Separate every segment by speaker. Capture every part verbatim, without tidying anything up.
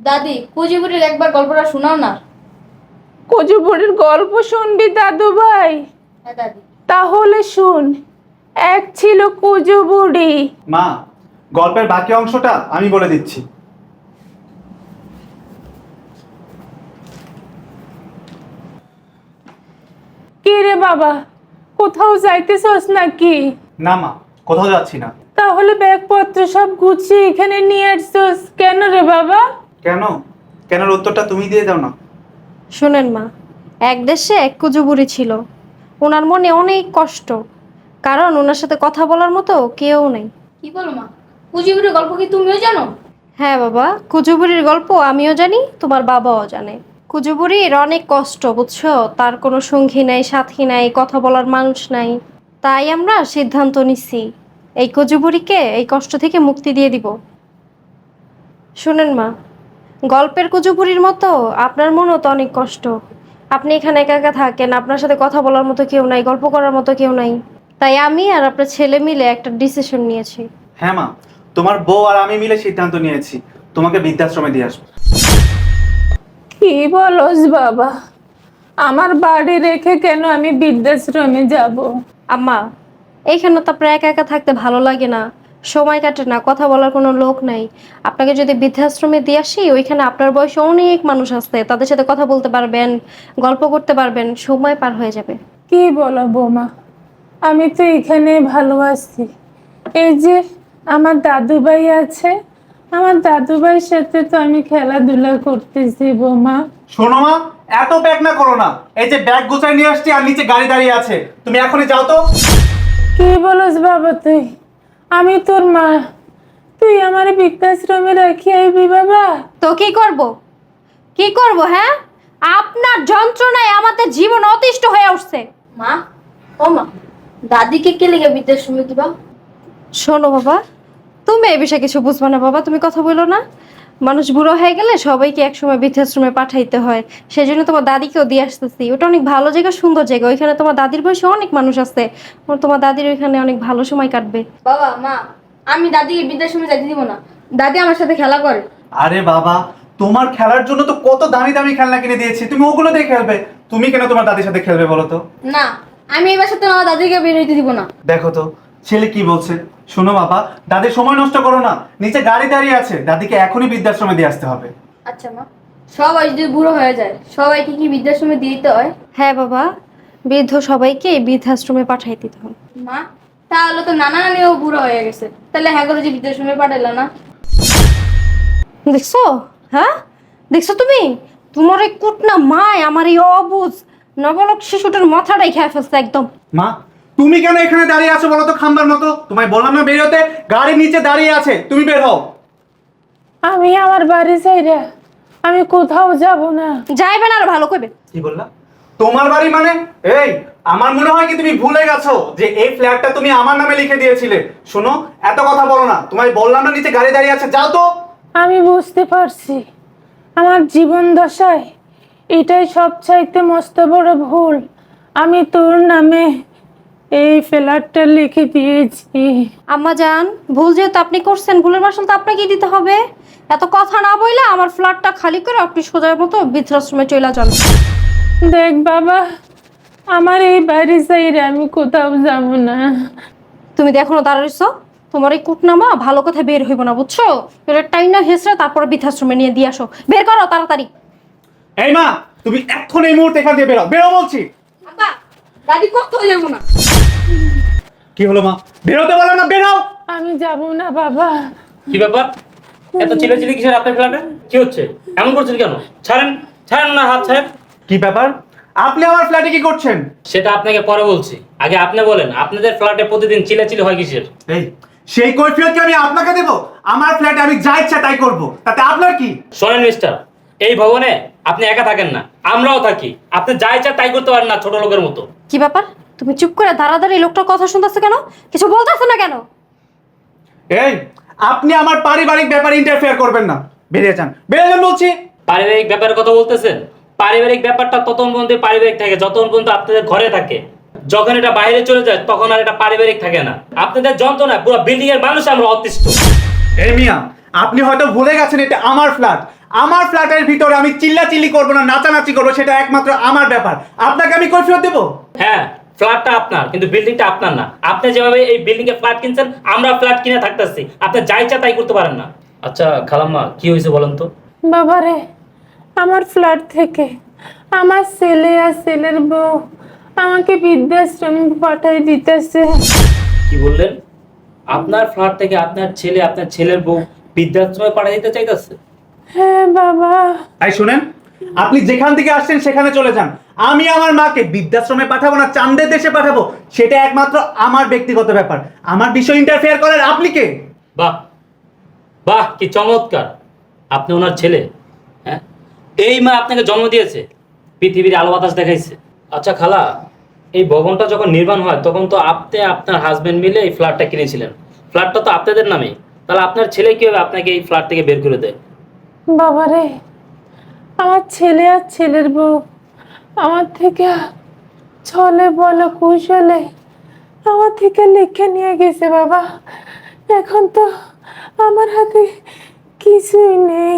Speaker 1: দাদি কুচিপুরির একবার গল্পটা শোনাও না।
Speaker 2: কুচিপুরির গল্প শুনবি দাদু ভাই?
Speaker 1: হ্যাঁ দাদি।
Speaker 2: তাহলে শুন। এক ছিল কুজু বুড়ি।
Speaker 3: মা, গল্পের বাকি অংশটা আমি বলে দিচ্ছি।
Speaker 2: কি রে বাবা, কোথাও যাইতেছস নাকি?
Speaker 3: না মা, কোথাও যাচ্ছি না।
Speaker 2: তাহলে ব্যাগপত্র সব গুছিয়ে এখানে নিয়ে আসছস কেন রে বাবা?
Speaker 3: কেন? কেনর উত্তরটা তুমি দিয়ে দাও না।
Speaker 4: শোনেন মা, এক দেশে এক কুজুবুড়ি ছিল। ওনার মনে অনেক কষ্ট, কারণ ওনার সাথে কথা বলার মতো কেউ নেই।
Speaker 1: কি বলো মা, কুচিপুরির গল্প কি তুমিও জানো?
Speaker 4: হ্যাঁ বাবা, কুজুবুড়ির গল্প আমিও জানি, তোমার বাবাও জানে। কুজুবুড়ির অনেক কষ্ট, বুঝছো? তার কোনো সঙ্গী নাই, সাথী নাই, কথা বলার মানুষ নাই। তাই আমরা সিদ্ধান্ত নিচ্ছি এই কুজুবুড়িকে এই কষ্ট থেকে মুক্তি দিয়ে দিব। শুনেন মা, গল্পের কুজুবুড়ির মতো আপনার মনও তো অনেক কষ্ট। আপনি এখানে একা একা থাকেন, আপনার সাথে কথা বলার মতো কেউ নাই, গল্প করার মতো কেউ নাই। তাই আমি আর আপনার ছেলে মিলে একটা ডিসিশন নিয়েছি।
Speaker 3: হ্যাঁ মা, তোমার বউ আর আমি মিলে সিদ্ধান্ত নিয়েছি তোমাকে বৃদ্ধাশ্রমে দিয়ে আসবো।
Speaker 2: কি বলস বাবা? আমার বাড়ি রেখে কেন আমি বৃদ্ধাশ্রমে যাব?
Speaker 4: আম্মা, এইখানে তো আপনার একা একা থাকতে ভালো লাগে না, সময় কাটে না, কথা বলার কোনো লোক নাই। আপনাকে যদি বৃদ্ধাশ্রমে দিয়ে আসি, ওইখানে আপনার বয়সে অনেক মানুষ আছে, তাদের সাথে কথা বলতে পারবেন, গল্প করতে পারবেন, সময় পার হয়ে যাবে।
Speaker 2: কি বলো বৌমা, আমি তো এখানে ভালো আছি। এই যে আমার দাদু ভাই আছে, আমার দাদু ভাইয়ের সাথে তো আমি খেলাধুলা করতেছি বৌমা।
Speaker 3: শোনো মা, এত ব্যাগ না করো না। এই যে ব্যাগ গুছাই নিয়ে আসছি আর নিচে গাড়ি দাঁড়িয়ে আছে, তুমি এখনই যাও তো।
Speaker 2: কি বলস বাবা তুই? আমি তোর মা, তুই আমার বৃদ্ধাশ্রমে রাখি আইবি বাবা?
Speaker 4: তো কি করব? কি করব? হ্যাঁ, আপনার যন্ত্রণায় আমাদের জীবন অতিষ্ঠ হয়ে উঠছে।
Speaker 1: মা, ও মা, দাদিকে কে লেগে বৃদ্ধাশ্রমে দিবা?
Speaker 4: শোনো বাবা, তুমি এই বিষয়ে কিছু বুঝবে না বাবা, তুমি কথা বলো না। মানুষ বুড়ো হয়ে গেলে সবাইকে একসময় বৃদ্ধাশ্রমে পাঠাইতে হয়, সেই জন্য তোমার দাদিকেও দিয়ে আসতেছি। ওটা অনেক ভালো জায়গা, সুন্দর জায়গা, ওইখানে তোমার দাদির বয়সে অনেক মানুষ আছে, তোমার দাদির ওইখানে অনেক ভালো সময় কাটবে।
Speaker 1: বাবা মা, আমি দাদিকে বৃদ্ধাশ্রমে যেতে দিব না। দাদি আমার সাথে খেলা করে।
Speaker 3: আরে বাবা, তোমার খেলার জন্য তো কত দামি দামি খেলনা কিনে দিয়েছি, তুমি ওগুলো দিয়ে খেলবে। তুমি কেন তোমার দাদির সাথে খেলবে বলো তো?
Speaker 1: না, আমি এবার সাথে আমার দাদিকে বের হইতে দিব না।
Speaker 3: দেখো তো ছেলে কি বলছে। শোনো বাবা, দাদির সময় নষ্ট করো না, নিচে গাড়ি দাঁড়িয়ে আছে, দাদিকে এখনই বৃদ্ধাশ্রমে দিয়ে আসতে হবে।
Speaker 1: আচ্ছা মা, সবাই যদি বুড়ো হয়ে যায় সবাইকে কি বৃদ্ধাশ্রমে দিয়ে দিতে হয়?
Speaker 4: হ্যাঁ বাবা, বৃদ্ধ সবাইকে বৃদ্ধাশ্রমে পাঠাই দিতে হবে।
Speaker 1: মা, তাহলে তো নানা নানিও বুড়ো হয়ে গেছে, তাহলে হ্যাঁ করে যে বৃদ্ধাশ্রমে পাঠাইলা না?
Speaker 4: দেখছো? হ্যাঁ দেখছো তুমি? তোমার এই কুটনা মায় আমার এই অবুঝ নবলক শিশুটার মাথাটাই খেয়ে ফেলছে একদম।
Speaker 3: মা, তুমি কেন এখানে দাঁড়িয়ে আছো বলো তো খাম্বার মতো? তোমায় বললাম না বেরোতে, গাড়ির নিচে দাঁড়িয়ে আছে, তুমি বের হও।
Speaker 2: আমি আমার বাড়ি চাই রে, আমি কোথাও যাব না।
Speaker 4: যাইবে না, আর ভালো করবে।
Speaker 3: কি বললা? তোমার বাড়ি মানে? এই, আমার মনে হয় কি তুমি ভুলে গেছো যে এই ফ্ল্যাটটা তুমি আমার নামে লিখে দিয়েছিলে। শোনো, এত কথা বলো না, তোমায় বললাম না নিচে গাড়ি দাঁড়িয়ে আছে, যাও তো।
Speaker 2: আমি বুঝতে পারছি আমার জীবন দশায় এটাই সবচাইতে মস্ত বড় ভুল। আমি তোর নামে এই ফ্ল্যাটটা লিখে দিয়েছি।
Speaker 4: আম্মা জান, ভুল যেহেতু আপনি করছেন, ভুলের মাসুল তো আপনাকেই দিতে হবে। এত কথা না বইলে আমার ফ্ল্যাটটা খালি করে আপনি সোজার মতো বৃদ্ধাশ্রমে চলে যান।
Speaker 2: দেখ বাবা, আমার এই বাড়ি চাই রে, আমি কোথাও যাব না।
Speaker 4: তুমি তো এখনো দাঁড়াইছো, তোমার এই কুটনামা ভালো কথা বের হইব না, বুঝছো? এটা টাইনা হেসরা তারপরে বৃদ্ধাশ্রমে নিয়ে দিয়ে আসো, বের করো তাড়াতাড়ি।
Speaker 3: এই মা, তুমি এখন এই মুহূর্তে এখান থেকে বেরো, বেরো বলছি।
Speaker 1: আব্বা, দাদি কোথাও যাবো না।
Speaker 3: কি হলো মা? বেরোতে বলো না, বেরো।
Speaker 2: আমি যাব না বাবা।
Speaker 5: কি ব্যাপার? এত চিল্লাচিল্লি কিসের আপনার ফ্ল্যাটে? কি হচ্ছে? এমন করছেন কেন? ছাড়েন, ছাড়েন না, হাত ছাড়েন।
Speaker 3: কি ব্যাপার? আপনি আমার ফ্ল্যাটে কি করছেন?
Speaker 5: সেটা আপনাকে পরে বলছি, আগে আপনি বলেন আপনাদের ফ্ল্যাটে প্রতিদিন চিল্লাচিল্লি হয় কিসের?
Speaker 3: এই, সেই কৈফিয়ত কি আমি আপনাকে দেব? আমার ফ্ল্যাটে আমি যা ইচ্ছা তাই করব, তাতে আপনার কি?
Speaker 5: শোনেন মিস্টার, এই ভবনে আপনি একা থাকেন না, আমরাও থাকি। আপনি যা ইচ্ছা তাই করতে পারেন না, ছোট লোকের মতো।
Speaker 4: কি ব্যাপার? তুমি চুপ করে দাঁড়াদাঁড়ি লোকটার কথা শুনতেছো কেন? কিছু বলতেছো না কেন?
Speaker 3: এই, আপনি আমার পারিবারিক ব্যাপারে ইন্টারফেয়ার করবেন না, বেরিয়ে যান, বেরিয়ে যান বলছি।
Speaker 5: পারিবারিক ব্যাপারের কথা বলতেছেন? পারিবারিক ব্যাপারটা ততক্ষণ পর্যন্ত পারিবারিক থাকে যতক্ষণ পর্যন্ত আপনাদের ঘরে থাকে। যখন এটা বাইরে চলে যায় তখন আর এটা পারিবারিক থাকে না। আপনাদের যন্ত্রণা পুরো বিল্ডিং এর মানুষ আমরা অতিষ্ঠ।
Speaker 3: এই মিয়া, আপনি হয়তো ভুলে গেছেন এটা আমার ফ্ল্যাট, আমার ফ্ল্যাটের ভিতরে আমি চিল্লাচিল্লি করবো না নাচানাচি করবো সেটা একমাত্র আমার ব্যাপার। আপনাকে আমি কৈফিয়ত দেবো?
Speaker 5: হ্যাঁ, ফ্ল্যাটটা আপনার, কিন্তু বিল্ডিংটা আপনার না। আপনি যেভাবে এই বিল্ডিং এ ফ্ল্যাট কিনছেন, আমরা ফ্ল্যাট কিনে থাকতেছি, আপনি যা ইচ্ছা তাই করতে পারেন না। আচ্ছা খালাম্মা, কি হয়েছে বলেন তো?
Speaker 2: বাবারে, আমার ফ্ল্যাট থেকে আমার ছেলে আর ছেলের বউ আমাকে বৃদ্ধাশ্রম পাঠাই দিতেছে।
Speaker 5: কি বললেন? আপনার ফ্ল্যাট থেকে আপনার ছেলে আপনার ছেলের বউ বৃদ্ধাশ্রমে পাঠিয়ে দিতে চাইতেছে?
Speaker 2: হ্যাঁ বাবা।
Speaker 3: তাই শুনেন, আপনি যেখান থেকে আসছেন সেখানে চলে যান। আমি আমার মাকে বৃদ্ধাশ্রমে পাঠাবো না চাঁদের দেশে পাঠাবো সেটা একমাত্র আমার ব্যক্তিগত ব্যাপার। আমার বিষয় ইন্টারফেয়ার করেন আপনি কে?
Speaker 5: বাহ বাহ, কি চমৎকার! আপনি ওনার ছেলে? হ্যাঁ, এই মা আপনাকে জন্ম দিয়েছে, পৃথিবীর আলো বাতাস দেখাইছে। আচ্ছা খালা, এই ভবনটা যখন নির্মাণ হয় তখন তো আপনি আপনার হাজবেন্ড মিলে এই ফ্ল্যাটটা কিনেছিলেন। ফ্ল্যাটটা তো আপনাদের নামে, তাহলে আপনার ছেলে কিভাবে আপনাকে এই ফ্ল্যাট থেকে বের করে দেয়?
Speaker 2: বাবারে, আমার ছেলে আর ছেলের বউ আমার থেকে ছলে বলো কৌশলে আমার থেকে লিখে নিয়ে গেছে বাবা। এখন তো আমার হাতে কিছুই নেই।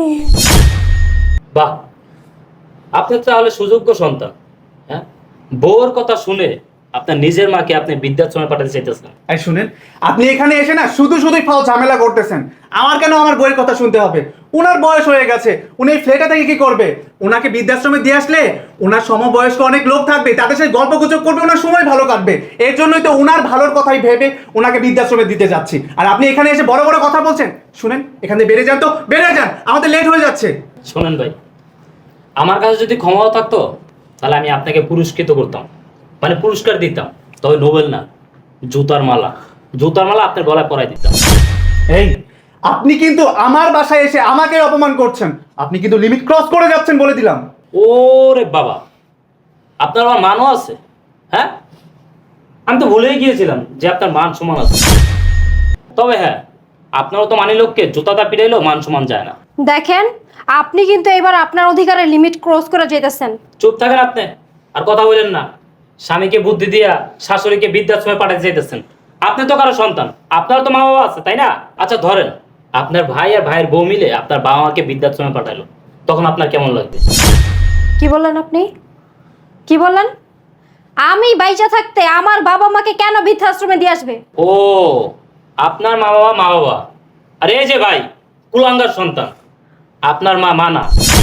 Speaker 5: বাহ, আপনি তো তাহলে সুযোগ্য সন্তান। হ্যাঁ, বউর কথা শুনে আপনার নিজের মাকে আপনি বৃদ্ধাশ্রমে পাঠাতে চাইতেছেন।
Speaker 3: এই শুনেন, আপনি এখানে এসে না শুধু শুধুই ফাও ঝামেলা করতেছেন। আমার কেন আমার বইয়ের কথা শুনতে হবে? ওনার বয়স হয়ে গেছে, উনি এই ফ্ল্যাটে থেকে কি করবে? ওনাকে বৃদ্ধাশ্রমে দিয়ে আসলে ওনার সমবয়স্ক অনেক লোক থাকবে, তাদের সাথে গল্প গুজব করবে, ওনার সময় ভালো কাটবে। এর জন্যই তো ওনার ভালোর কথাই ভেবে ওনাকে বৃদ্ধাশ্রমে দিতে যাচ্ছি। আর আপনি এখানে এসে বড় বড় কথা বলছেন। শুনেন, এখান থেকে বেড়ে যান তো, বেড়ে যান, আমাদের লেট হয়ে যাচ্ছে।
Speaker 5: শোনেন ভাই, আমার কাছে যদি ক্ষমতা থাকতো তাহলে আমি আপনাকে পুরস্কৃত করতাম, মানে পুরস্কার দিতাম। তবে নোবেল না, জুতার মালা, জুতার মালা আপনার গলায় পরাই দিতাম।
Speaker 3: এই, আপনি কিন্তু আমার বাসায় এসে আমাকে অপমান করছেন। আপনি কিন্তু লিমিট ক্রস করে যাচ্ছেন বলে দিলাম।
Speaker 5: ওরে বাবা, আপনার আমার মানও আছে? হ্যাঁ, আমি তো ভুলেই গিয়েছিলাম যে আপনার মান সমান আছে। তবে হ্যাঁ, আপনারও তো মানি লোককে জুতাটা পিটাইলেও মান সমান যায় না।
Speaker 4: দেখেন, আপনি কিন্তু এবার আপনার অধিকারের লিমিট ক্রস করে যেতেছেন।
Speaker 5: চুপ থাকেন আপনি, আর কথা বলেন না। স্বামীকে বুদ্ধি দিয়া শাশুড়িকে বৃদ্ধাশ্রমে পাঠাতে চাইতেছেন। আপনি তো কারো সন্তান, আপনার তো মা বাবা আছে, তাই না? আচ্ছা ধরেন, আপনার ভাই আর ভাইয়ের বউ মিলে আপনার বাবা মাকে বৃদ্ধাশ্রমে পাঠালো, তখন আপনার কেমন লাগবে?
Speaker 4: কি বললেন আপনি? কি বললেন? আমি বাইচা থাকতে আমার বাবা মাকে কেন বৃদ্ধাশ্রমে দিয়ে আসবে?
Speaker 5: ও, আপনার মা বাবা মা বাবা, আর এই যে ভাই কুলাঙ্গার সন্তান, আপনার মা মানা।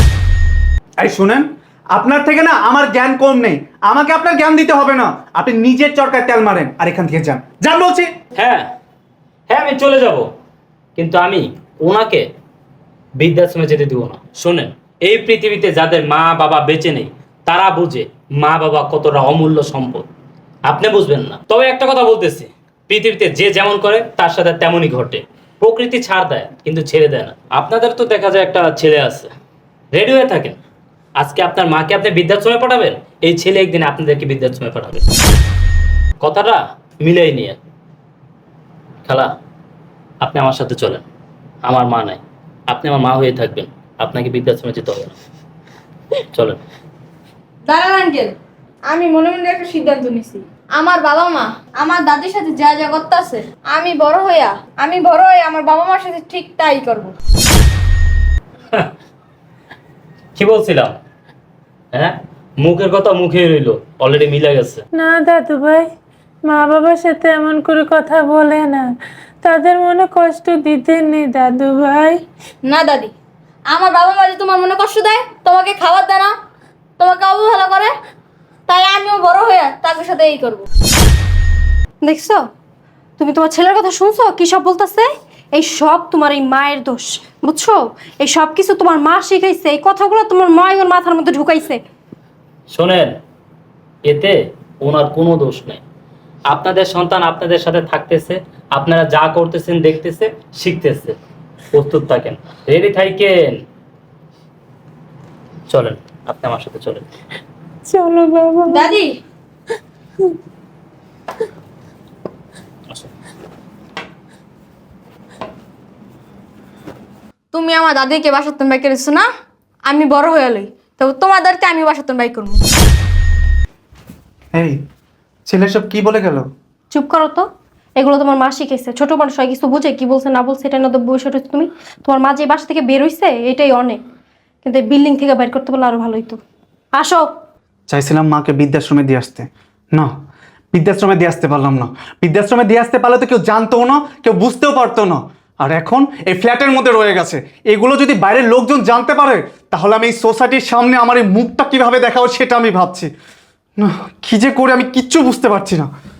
Speaker 3: এই শুনেন, আপনার থেকে না আমার জ্ঞান কম নেই, আমাকে আপনার জ্ঞান দিতে হবে না। আপনি নিজের চরকায় তেল মারেন আর এখান থেকে যান, যান বলছি।
Speaker 5: হ্যাঁ হ্যাঁ, আমি চলে যাব, কিন্তু আমি ওনাকে বৃদ্ধাশ্রমে যেতে দিব না। শোনেন, এই পৃথিবীতে যাদের মা বাবা বেঁচে নেই তারা বুঝে মা বাবা কতটা অমূল্য সম্পদ। আপনি বুঝবেন না। তবে একটা কথা বলতেছি, পৃথিবীতে যে যেমন করে তার সাথে তেমনই ঘটে। প্রকৃতি ছাড় দেয় কিন্তু ছেড়ে দেয় না। আপনাদের তো দেখা যায় একটা ছেলে আছে, রেডি হয়ে থাকেন। আজকে আপনার মাকে আপনি বৃদ্ধাশ্রমে পাঠাবেন, এই ছেলে একদিন আপনাদেরকে বৃদ্ধাশ্রমে পাঠাবে। কথাটা মিলেই নিয়ে। খালা, আপনি আমার সাথে চলেন। আমার মা নাই, আপনি আমার মা হয়ে থাকবেন, আপনাকে বৃদ্ধাশ্রমে যেতে হবে না। চলেন।
Speaker 1: দাঁড়ান আঙ্কেল, আমি মনে মনে একটা সিদ্ধান্ত নিছি। আমার বাবা মা আমার দাদির সাথে যা যা করতে আছে, আমি বড় হইয়া আমি বড় হয়ে আমার বাবা মার সাথে ঠিক তাই করবো।
Speaker 5: কি বলছিলাম? হ্যাঁ, মুখের কথা মুখেই রইলো, অলরেডি মিলে গেছে।
Speaker 2: না দাদু ভাই, মা বাবার সাথে এমন করে কথা বলে না, তাদের মনে কষ্ট দিতে নেই দাদু ভাই।
Speaker 1: না দাদি, আমার বাবা মা যে তোমার মনে কষ্ট দেয়, তোমাকে খাবার দেয় না, তোমাকে অবহেলা করে, তাই আমিও বড় হয়ে তাদের সাথে এই করবো।
Speaker 4: দেখছো, তুমি তোমার ছেলের কথা শুনছো কি সব বলতেছে? এই সব তোমার এই মায়ের দোষ, বুঝছো? এই সব কিছু তোমার মা শিখাইছে, এই কথাগুলো তোমার মা ওর মাথার মধ্যে ঢুকাইছে।
Speaker 5: শোনেন, এতে ওনার কোনো দোষ নেই। আপনাদের সন্তান আপনাদের সাথে থাকতেছে, আপনারা যা করতেছেন দেখতেছে, শিখতেছে। প্রস্তুত থাকেন, রেডি থাকেন। চলেন, আপনি আমার সাথে চলেন।
Speaker 2: চলো বাবা।
Speaker 1: দাদি,
Speaker 5: আসুন।
Speaker 1: তুমি আমার দাদিকে বাসাতন বাই করেছো না? আমি বড় হয়ে লই, তবে তোমাদেরকে আমি বাসাতন বাই করবো।
Speaker 3: এই ছেলে সব কি বলে গেল?
Speaker 4: চুপ করো তো, এগুলো তোমার মা শিখাইছে। ছোট মানুষ হয় কিছু বুঝে, কি বলছে না বলছে এটা না তো বসে রয়েছে তুমি। তোমার মা যে বাসা থেকে বের হইছে এটাই অনেক। কিন্তু এই বিল্ডিং থেকে বাইর করতে পারলে আরো ভালো হইতো। আসো।
Speaker 3: চাইছিলাম মাকে বৃদ্ধাশ্রমে দিয়ে আসতে, না বৃদ্ধাশ্রমে দিয়ে আসতে পারলাম না। বৃদ্ধাশ্রমে দিয়ে আসতে পারলে তো কেউ জানতেও না, কেউ বুঝতেও পারতো না। আর এখন এই ফ্ল্যাটের মধ্যে রয়ে গেছে। এগুলো যদি বাইরের লোকজন জানতে পারে তাহলে আমি এই সোসাইটির সামনে আমার এই মুখটা কিভাবে দেখাবো সেটা আমি ভাবছি। না কি যে করে আমি কিচ্ছু বুঝতে পারছি না।